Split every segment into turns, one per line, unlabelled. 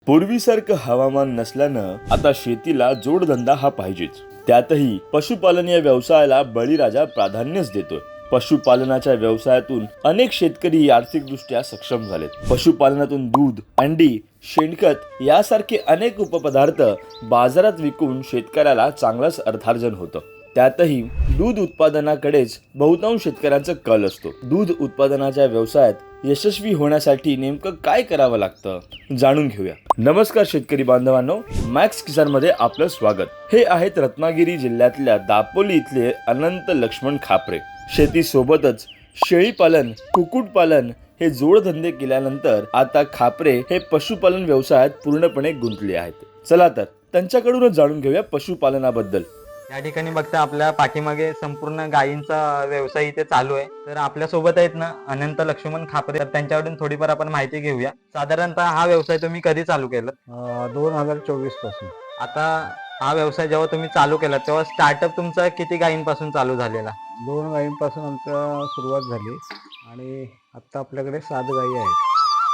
पूर्वीसारखं हवामान नसल्यानं आता शेतीला जोडधंदा हा पाहिजेच. त्यातही पशुपालन या व्यवसायाला बळीराजा प्राधान्यच देतोय. पशुपालनाच्या व्यवसायातून अनेक शेतकरी आर्थिकदृष्ट्या सक्षम झालेत. पशुपालनातून दूध, अंडी, शेणखत यासारखे अनेक उपपदार्थ बाजारात विकून शेतकऱ्याला चांगलंच अर्थार्जन होतं. त्यातही दूध उत्पादनाकडेच बहुतांश शेतकऱ्यांचा कल असतो. दूध उत्पादनाच्या व्यवसायात यशस्वी होण्यासाठी नेमकं काय करावं लागतं जाणून घेऊया. नमस्कार शेतकरी बांधवांनो, मॅक्स किसान मध्ये आपलं स्वागत. हे आहेत रत्नागिरी जिल्ह्यातल्या दापोली इथले अनंत लक्ष्मण खापरे. शेती सोबतच शेळीपालन, कुक्कुटपालन हे जोडधंदे केल्यानंतर आता खापरे हे पशुपालन व्यवसायात पूर्णपणे गुंतले आहेत. चला तर त्यांच्याकडूनच जाणून घेऊया पशुपालनाबद्दल.
या ठिकाणी बघता आपल्या पाठीमागे संपूर्ण गायींचा व्यवसाय इथे चालू आहे. तर आपल्या सोबत आहेत ना अनंत लक्ष्मण खापरे, तर त्यांच्याकडून थोडीफार आपण माहिती घेऊया. साधारणतः हा व्यवसाय तुम्ही कधी चालू केला?
2024 पासून.
आता हा व्यवसाय जेव्हा तुम्ही चालू केला तेव्हा स्टार्टअप तुमचा किती गायींपासून चालू झालेला?
2 गायींपासून आमचा सुरुवात झाली आणि आता आपल्याकडे 7 गायी आहेत.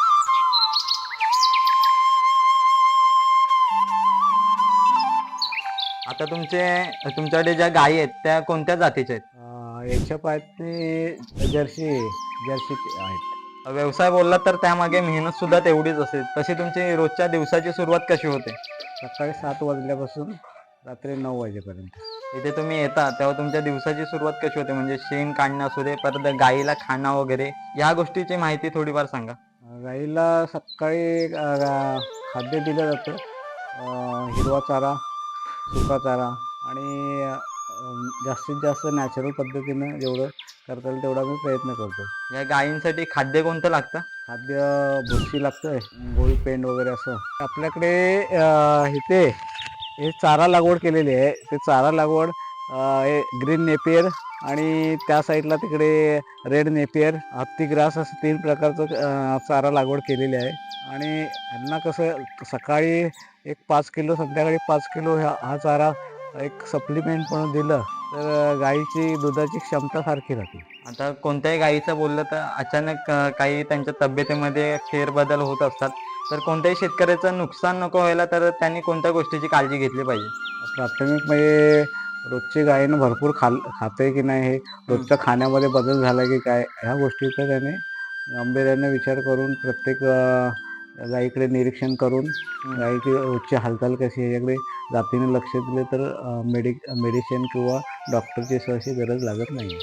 आता तुमच्याकडे ज्या गायी आहेत त्या कोणत्या जातीच्या आहेत?
याच्या पायथे जर्सी आहेत.
व्यवसाय बोलला तर त्यामागे मेहनत सुद्धा तेवढीच असेल. तशी तुमची रोजच्या दिवसाची सुरुवात कशी होते?
सकाळी 7 वाजल्यापासून रात्री 9 वाजेपर्यंत.
इथे तुम्ही येता तेव्हा तुमच्या दिवसाची सुरुवात कशी होते? म्हणजे शेण काढणं असू दे, परत गाईला खाणं वगैरे, या गोष्टीची माहिती थोडीफार सांगा.
गाईला सकाळी खाद्य दिलं जातं. हिरवा चारा, सुका चारा आणि जास्तीत जास्त नॅचरल पद्धतीनं जेवढं करता येईल तेवढा मी प्रयत्न करतो.
या गायींसाठी खाद्य कोणतं लागतं?
खाद्य भुसी लागतं, गोळी पेंड वगैरे असं. आपल्याकडे इथे हे चारा लागवड केलेली आहे. ते चारा लागवड हे ग्रीन नेपियर आणि त्या साईडला तिकडे रेड नेपियर, हत्ती ग्रास असं 3 प्रकारचं चारा लागवड केलेली आहे. आणि यांना कसं सकाळी एक 5 किलो, संध्याकाळी 5 किलो हा चारा एक सप्लिमेंट म्हणून दिलं तर गाईची दुधाची क्षमता सारखी राहते.
आता कोणत्याही गायीचं बोललं तर अचानक काही त्यांच्या तब्येतीमध्ये फेरबदल होत असतात. तर कोणत्याही शेतकऱ्याचं नुकसान नको व्हायला तर त्यांनी कोणत्या गोष्टीची काळजी घेतली पाहिजे?
प्राथमिक म्हणजे रोजची गायीनं भरपूर खाते की नाही, हे रोजच्या खाण्यामध्ये बदल झाला की काय, ह्या गोष्टीचा त्याने गांभीर्याने विचार करून प्रत्येक गायीकडे निरीक्षण करून गायीची रोजची हालचाल कशी आहे याकडे जातीने लक्ष दिले तर मेडिसिन किंवा डॉक्टरची सहशी गरज लागत नाही.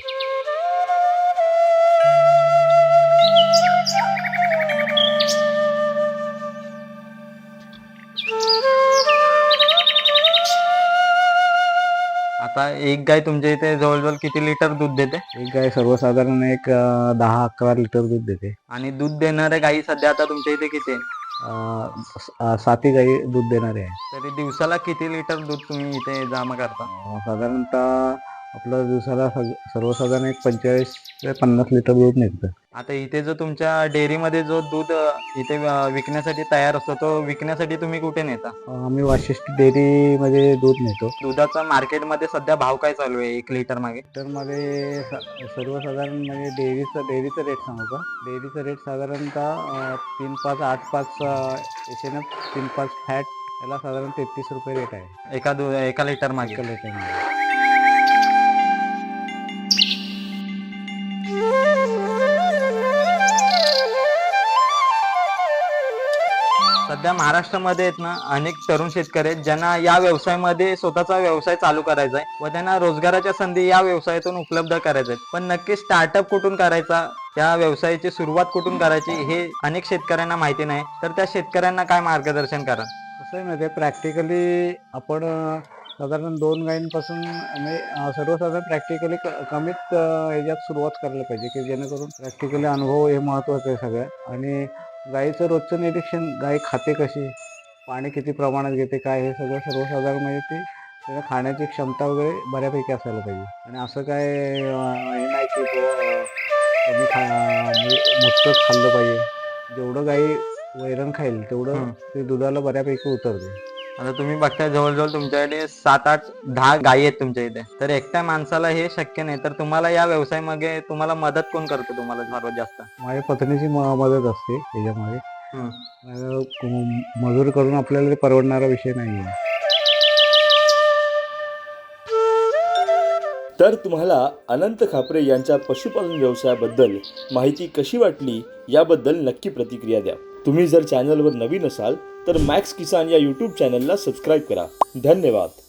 आता एक गाय तुमच्या इथे जवळजवळ किती लिटर दूध देते?
एक गाय सर्वसाधारण एक 10-11 लिटर दूध देते.
आणि दूध देणाऱ्या गायी सध्या आता तुमच्या इथे किती आहे?
7 गायी दूध देणारे आहे.
तरी दिवसाला किती लिटर दूध तुम्ही इथे जमा करता?
साधारणतः आपलं दिवसाला सर्वसाधारण एक 45 ते 50 लिटर दूध निघतं.
आता इथे जो तुमच्या डेअरीमध्ये जो दूध इथे विकण्यासाठी तयार असतो तो विकण्यासाठी तुम्ही कुठे नेता?
आम्ही वाशिष्ठी डेअरीमध्ये दूध नेतो.
दुधाचा मार्केटमध्ये सध्या भाव काय चालू आहे 1 लिटर मागे?
लिटरमध्ये सर्वसाधारण म्हणजे डेअरीचा रेट सांगू का? डेअरीचा रेट साधारणतः 3-5, 8-5 SNF, 3-5 फॅट याला साधारण 33 रुपये रेट आहे
एका लिटर मागे.
एका लिटरमध्ये.
सध्या महाराष्ट्रामध्ये आहेत ना अनेक तरुण शेतकरी आहेत ज्यांना या व्यवसायामध्ये स्वतःचा व्यवसाय चालू करायचा आहे व त्यांना रोजगाराच्या संधी या व्यवसायातून उपलब्ध करायच्या आहेत. पण नक्की स्टार्टअप कुठून करायचा, त्या व्यवसायाची सुरुवात कुठून करायची हे अनेक शेतकऱ्यांना माहिती नाही. तर त्या शेतकऱ्यांना काय मार्गदर्शन करा?
कसं आहे माहिती आहे, प्रॅक्टिकली आपण साधारण 2 गायींपासून म्हणजे सर्वसाधारण प्रॅक्टिकली कमीत ह्याच्यात सुरुवात करायला पाहिजे की जेणेकरून प्रॅक्टिकली अनुभव हे महत्त्वाचं आहे सगळ्यात. आणि गाईचं रोजचं निरीक्षण, गाय खाते कशी, पाणी किती प्रमाणात घेते, काय हे सगळं सर्वसाधारण म्हणजे ती त्याच्या खाण्याची क्षमता वगैरे बऱ्यापैकी असायला पाहिजे. आणि असं काय हे नाही की म्हणजे मोजकंच खाल्लं पाहिजे. जेवढं गाई वैरण खाईल तेवढं ते दुधाला बऱ्यापैकी उतरते.
आता तुम्ही बघताय जवळजवळ तुमच्याकडे 7-8-10 गायी आहेत तुमच्या इथे. तर एकट्या माणसाला हे शक्य नाही. तर तुम्हाला या व्यवसायामध्ये तुम्हाला मदत कोण करतो तुम्हाला सर्वात जास्त?
माझ्या पत्नीची मदत असते त्याच्यामध्ये.
हं.
मजूर करून आपल्याला ते परवडणारा विषय नाही आहे.
तर तुम्हाला अनंत खापरे यांच्या पशुपालन व्यवसायाबद्दल माहिती कशी वाटली याबद्दल नक्की प्रतिक्रिया द्या. तुम्ही जर चॅनलवर नवीन असाल तर मॅक्स किसान या यूट्यूब चॅनलला सबस्क्राईब करा. धन्यवाद.